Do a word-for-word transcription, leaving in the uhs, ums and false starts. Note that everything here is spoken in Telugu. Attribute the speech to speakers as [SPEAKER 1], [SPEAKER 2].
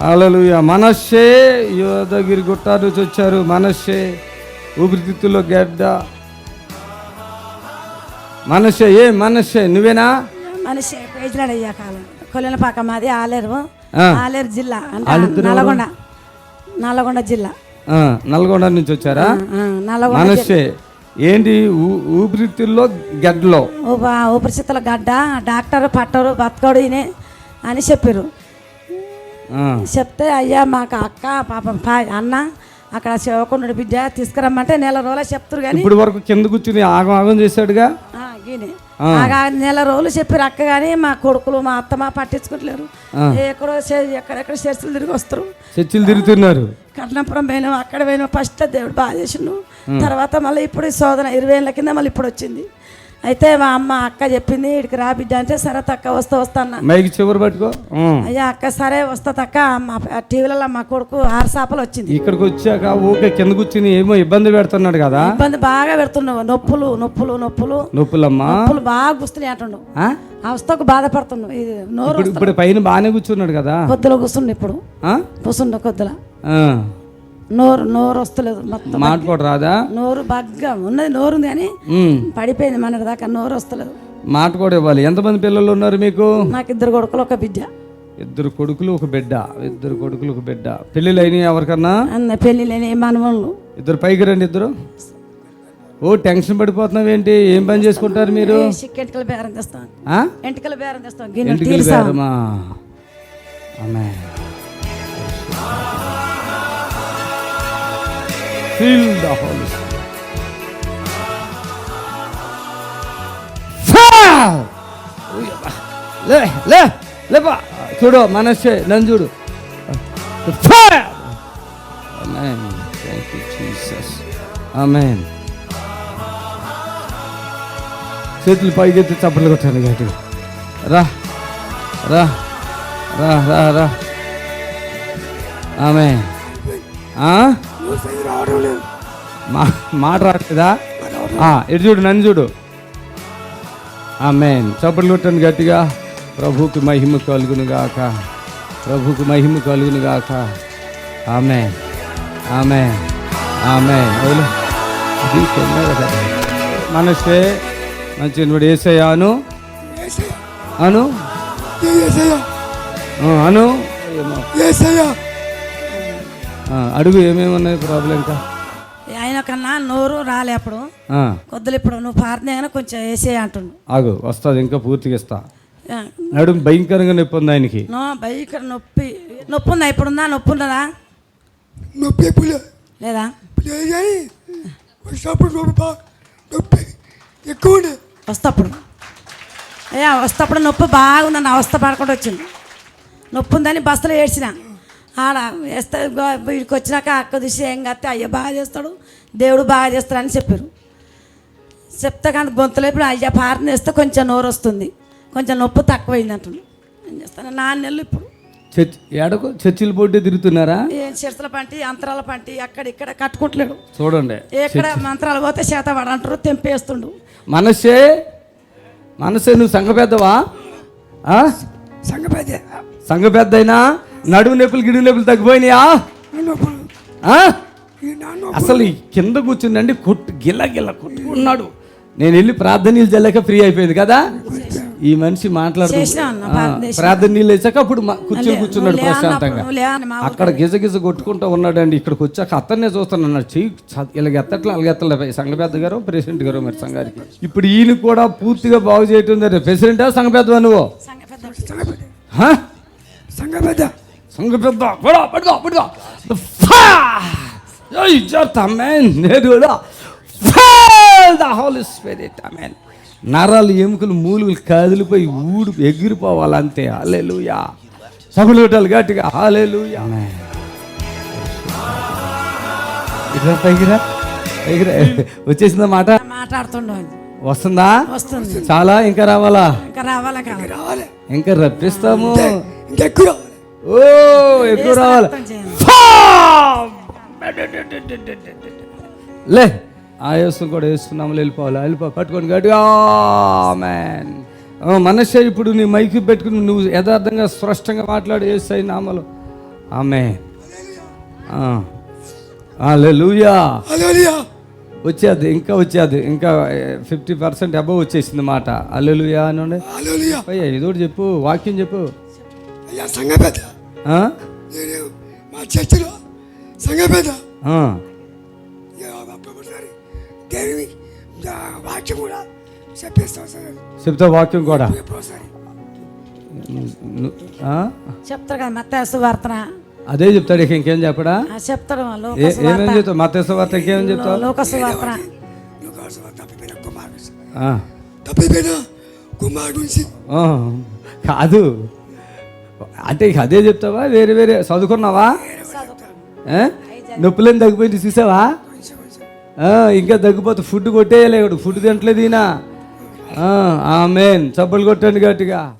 [SPEAKER 1] హల్లెలూయా. మనష్షే యోధగిరి గుట్ట నుంచి వచ్చారు. మనష్షే ఊపిరితిత్తుల్లో గడ్డ. మనష్షే ఏ మనష్షే నువ్వేనా?
[SPEAKER 2] మనిషి పేజీలాడయ్యా కాలం కొల్లెనపాక మాది ఆలేరు ఆలేరు జిల్లా అంటే నల్గొండ నల్గొండ జిల్లా.
[SPEAKER 1] నల్గొండ నుంచి వచ్చారా?
[SPEAKER 2] నల్గొండ.
[SPEAKER 1] మనష్షే ఏంటి ఊపిరితిత్తుల్లో గడ్డలో
[SPEAKER 2] ఊపిరితిత్తుల గడ్డ డాక్టర్ పట్టరు బతకడు ఈయన అని చెప్పారు. చెప్తే అయ్యా మాకు అక్క పాపం అన్న అక్కడ శివకొండ బిడ్డ తీసుకురమ్మంటే నెల రోజులు చెప్తారు. కానీ
[SPEAKER 1] ఇప్పుడు వరకు కింద కూర్చుని ఆగం ఆగం చేశాడుగా.
[SPEAKER 2] నెల రోజులు చెప్పారు అక్క, కానీ మా కొడుకులు మా అత్త మా పట్టించుకుంటలేరు. ఎక్కడో ఎక్కడెక్కడ చర్చలు తిరిగి వస్తారు,
[SPEAKER 1] చర్చలు తిరుగుతున్నారు.
[SPEAKER 2] కట్నాపురం పోయినాం, అక్కడ పోయినాం. ఫస్ట్ దేవుడు బాగా చేసిండు. తర్వాత మళ్ళీ ఇప్పుడు శోధన ఇరవై ఏళ్ళ కింద మళ్ళీ ఇప్పుడు వచ్చింది. అయితే మా అమ్మ అక్క చెప్పింది ఇక్కడికి రా బిడ్డ అంటే సరే తక్క వస్తా వస్తాను
[SPEAKER 1] మైకి చివరి పట్టుకో.
[SPEAKER 2] అయ్యా అక్క సరే వస్తా తక్క. మా టీవీలలో మా కొడుకు ఆరు చేపలు వచ్చింది. ఇక్కడికి
[SPEAKER 1] వచ్చాక ఊకే కింద కూర్చుని ఏమో ఇబ్బంది పెడుతున్నాడు కదా.
[SPEAKER 2] ఇబ్బంది బాగా పెడుతున్నావు, నొప్పులు నొప్పులు నొప్పులు
[SPEAKER 1] నొప్పులమ్మా
[SPEAKER 2] నొప్పులు బాగా గుస్తున్నాయి అంటుండు. అవస్థకు బాధపడుతున్నావు. ఇది నోరు
[SPEAKER 1] ఇప్పుడు పైన బాగానే కూర్చున్నాడు కదా.
[SPEAKER 2] కొద్దిలో కూర్చుండు, ఇప్పుడు కూర్చుండు కొద్దిలా. నోరు నోరు వస్తలేదు, మొత్తం
[SPEAKER 1] మాట్లాడు రాదా?
[SPEAKER 2] నోరు బాగా ఉన్నది, నోరు ఉంది కానీ పడిపోయింది మన దాకా, నోరు వస్తలేదు.
[SPEAKER 1] మాట కూడా ఇవ్వాలి. ఎంతమంది పిల్లలు ఉన్నారు మీకు?
[SPEAKER 2] నాకు ఇద్దరు కొడుకులు ఒక బిడ్డ.
[SPEAKER 1] ఇద్దరు కొడుకులు ఒక బిడ్డ. ఇద్దరు కొడుకులు ఒక బిడ్డ. పెళ్లిళ్ళు అయినాయి ఎవరికన్నా?
[SPEAKER 2] అన్న పెళ్లిళ్ళు అయినాయి. మనవాళ్ళు
[SPEAKER 1] ఇద్దరు పైకి రండి ఇద్దరు. ఓ టెన్షన్ పడిపోతున్నావు ఏంటి? ఏం పని చేసుకుంటారు మీరు?
[SPEAKER 2] ఎంటికల బేరం తెస్తాం. ఎంటికల బేరం తెస్తాం.
[SPEAKER 1] ఎంటికల బేరమా? ఆమేన్. Feel the Holy Spirit. లే లే లేపా. చూడు మనస్సే నన్ను చూడు. ఆమేన్. Thank you Jesus. ఆమేన్. చేతులు పైకెత్తి చప్పట్లు కొట్టాను గట్టిగా. రా రా రా రా రా. ఆమేన్. మాట రాట్లేదా? ఎటు చూడు, నన్ను చూడు. ఆమేన్. చప్పట్లు కొట్టండి గట్టిగా. ప్రభువుకి మహిమ కలుగును గాక. ప్రభువుకి మహిమ కలుగును గాక. ఆమేన్ ఆమేన్ ఆమేన్. మనసే మంచి నువ్వు ఏసయ్యాను అను అను అడుగు. ఏమేమి ఉన్నాయి ప్రాబ్లం? ఇంకా
[SPEAKER 2] ఆయన కన్నా నోరు రాలే అప్పుడు కొద్దులు. ఇప్పుడు నువ్వు పారిన కొంచెం వేసే అంటుండు.
[SPEAKER 1] ఆగు వస్తుంది, ఇంకా పూర్తిగా ఇస్తా. నడుము భయంకరంగా నొప్పి ఉంది ఆయనకి.
[SPEAKER 2] భయంకర నొప్పి నొప్పి ఉందా? ఇప్పుడుందా? నొప్పి ఉన్నదా?
[SPEAKER 3] నొప్పి
[SPEAKER 2] లేదా? వస్తప్పుడు అయ్యా వస్తప్పుడు నొప్పి బాగుందని అవస్థ పడకుండా వచ్చింది. నొప్పి ఉందని బస్సులో ఏడ్చిన. ఆడ వేస్తే వీడికి వచ్చినాక అక్క చూసి ఏం కత్తే అయ్యా బాగా చేస్తాడు, దేవుడు బాగా చేస్తాడని చెప్పారు. చెప్తే కానీ గొంతులో ఇప్పుడు అయ్యా పారని వేస్తే కొంచెం నోరు వస్తుంది, కొంచెం నొప్పి తక్కువైంది అంటున్నాడు. ఏం చేస్తాను నాన్న నెలలు ఇప్పుడు
[SPEAKER 1] ఏడకు చర్చిల పోటీ తిరుగుతున్నారా?
[SPEAKER 2] ఏం చర్చల పంటి అంతరాల పంటి అక్కడ ఇక్కడ కట్టుకుంటలేడు.
[SPEAKER 1] చూడండి
[SPEAKER 2] ఎక్కడ మంత్రాలు పోతే చేత పడంటారు, తెంపేస్తుండు.
[SPEAKER 1] మనసే మనసే నువ్వు సంఘ పెద్దవా?
[SPEAKER 3] సంఘ పెద్ద
[SPEAKER 1] సంఘ పెద్ద అయినా నడుము నొప్పులు గిడుగు నొప్పులు తగ్గిపోయినాయా? అసలు కింద కూర్చుందండి కొట్టు గిల్ల గిల్ల కొట్టుకున్నాడు. నేను వెళ్ళి ప్రార్థన నీళ్ళు చల్లాక ఫ్రీ అయిపోయింది కదా. ఈ మనిషి మాట్లాడుతూ ప్రార్థన నీళ్ళు వేసాక అప్పుడు కూర్చొని కూర్చున్నాడు ప్రశాంతంగా. అక్కడ గిజ గిజ కొట్టుకుంటూ ఉన్నాడండి. ఇక్కడికి వచ్చాక అతన్నే చూస్తాను అన్నాడు. చెయ్యి ఇలాగ ఎత్తట్లే అలాగ ఎత్తలే. సంఘ పెద్ద గారు ప్రెసిడెంట్ గారు మరి సంఘానికి. ఇప్పుడు ఈయన కూడా పూర్తిగా బాగు చేయటం. ప్రెసిడెంటా సంఘ పెద్దవా నువ్వు?
[SPEAKER 3] సంఘ పెద్ద
[SPEAKER 1] సంఘ పెద్ద పడుకో పడుకో. నరాలు ఎముకలు మూలుగులు కదిలిపోయి ఊడు ఎగిరిపోవాలంతే. హల్లెలూయా. సభలు కొట్టాలి గట్టిగా. హల్లెలూయా. పైకిరా పైకిరా. వచ్చేసిందా మాట?
[SPEAKER 2] మాట్లాడుతుండ
[SPEAKER 1] వస్తుందా?
[SPEAKER 2] వస్తుంది.
[SPEAKER 1] చాలా ఇంకా రావాలా?
[SPEAKER 2] ఇంకా రావాలా? రావాలి.
[SPEAKER 1] ఇంకా రప్పిస్తాము.
[SPEAKER 3] ఎక్కువ
[SPEAKER 1] ఓ ఎక్కువ రావాలి. లే ఆయాసం కూడా వేస్తున్నాము. వెళ్ళిపోవాలి. వెళ్ళిపో పట్టుకొని గట్టిగా. ఆమేన్. మనసే ఇప్పుడు నీ మైకి పెట్టుకుని నువ్వు యథార్థంగా స్పష్టంగా మాట్లాడు. యేసయ్య నామములో ఆమె హల్లెలూయా.
[SPEAKER 3] హల్లెలూయా.
[SPEAKER 1] వచ్చేది ఇంకా వచ్చేది ఇంకా ఫిఫ్టీ పర్సెంట్ అబవ్ వచ్చేసింది మాట. హల్లెలూయా అనండి.
[SPEAKER 3] హల్లెలూయా.
[SPEAKER 1] అయ్యా ఏదోటి చెప్పు, వాక్యం చెప్పు.
[SPEAKER 3] అయ్యా సంఘ పెద్ద,
[SPEAKER 1] ఆ?
[SPEAKER 3] నేను మా చర్చిలో సంఘ పెద్ద
[SPEAKER 1] ఆ.
[SPEAKER 3] ఒకసారి దేవి వాక్యం కూడా చెప్పేస్తాం సార్.
[SPEAKER 1] చెప్తా వాక్యం కూడా.
[SPEAKER 3] ఎప్పుడోసారి
[SPEAKER 1] ను- ఆ?
[SPEAKER 2] చెప్తారు కదా మత్తయి సువార్తన,
[SPEAKER 1] అదే చెప్తాడు, ఇక ఇంకేం చెప్పడా?
[SPEAKER 2] ఆ చెప్తాడు లోక
[SPEAKER 1] ఏ- ఏమేం
[SPEAKER 2] సువార్త.
[SPEAKER 1] చెప్తావు? మత్తయి వార్త ఇంకేమేం చెప్తావు?
[SPEAKER 2] లోక సువార్తన.
[SPEAKER 3] తప్పిపోయిన కుమారుడు
[SPEAKER 1] ఆ.
[SPEAKER 3] తప్పిపోయిన కుమారుడు నుంచి
[SPEAKER 1] ఆ. కాదు అంటే ఇక అదే చెప్తావా, వేరే వేరే చదువుకున్నావా? ఆ? నొప్పులేని తగ్గిపోయింది చూసావా? ఆ, ఇంకా తగ్గిపోతే ఫుడ్ కొట్టేయలేడు, ఫుడ్ తింటలేదు ఈయన. ఆమెన్. చప్పలు కొట్టండి గట్టిగా.